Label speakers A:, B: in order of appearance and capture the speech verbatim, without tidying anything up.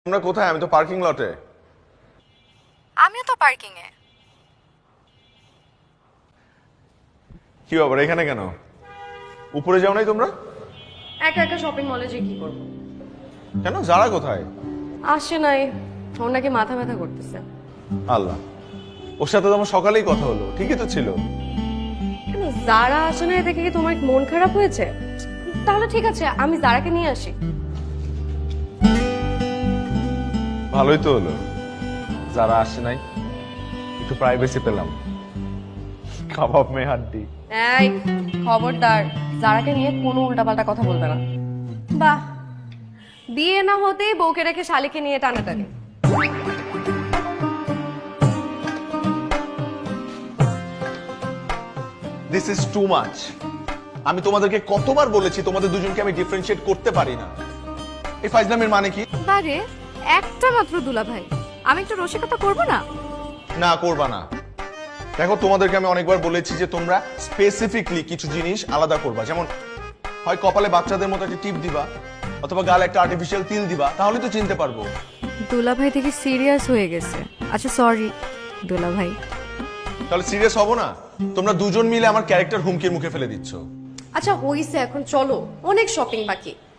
A: তোমরা কোথায়? আমি তো পার্কিং লটে।
B: আমিও তো পার্কিং এ।
A: কি ব্যাপার, এখানে কেন? উপরে যাও নাই তোমরা?
C: একা একা শপিং মলে যে কি করব?
A: কেন, যারা কোথায়?
C: আসে নাই, ওর নাকি মাথা ব্যথা করতেছে।
A: আল্লাহ, ওর সাথে তো আমার সকালেই কথা হলো, ঠিকই তো ছিল।
C: কেন যারা আসে নাই দেখে কি তোমার মন খারাপ হয়েছে? তাহলে ঠিক আছে, আমি যারাকে নিয়ে আসি।
A: ভালোই তো হলো, যারা আসে নাই, একটু প্রাইভেসি পেলাম। কাবাব মে হাড্ডি।
C: এই খবরদার, যারাকে নিয়ে কোনো উল্টাপাল্টা কথা বলবে না। বাহ, বিয়ে না হতেই বউকে রেখে শালিকে নিয়ে টানাটানি।
A: This is too much. আমি তোমাদেরকে কতবার বলেছি তোমাদের দুজনকে আমি ডিফারেন্সিয়েট করতে পারি না। এই ফাইজলামের মানে কি?
B: বারে একটা মাত্র দুলা ভাই, আমি একটু রসিকতা করব না?
A: না, করবা না। দেখো, তোমাদেরকে আমি অনেকবার বলেছি যে তোমরা স্পেসিফিকলি কিছু জিনিস আলাদা করবা। যেমন হয় কপালে বাচ্চাদের মতো একটা টিপ দিবা, অথবা গালে একটা আর্টিফিশিয়াল তিল দিবা, তাহলে তো চিনতে পারবো।
B: দুলা ভাই থেকে সিরিয়াস হয়ে গেছে। আচ্ছা সরি দুলা ভাই।
A: তাহলে সিরিয়াস হবো না? তোমরা দুজন মিলে আমার ক্যারেক্টার হুমকির মুখে ফেলে দিচ্ছ।
C: আচ্ছা হইছে, এখন চলো, অনেক শপিং বাকি।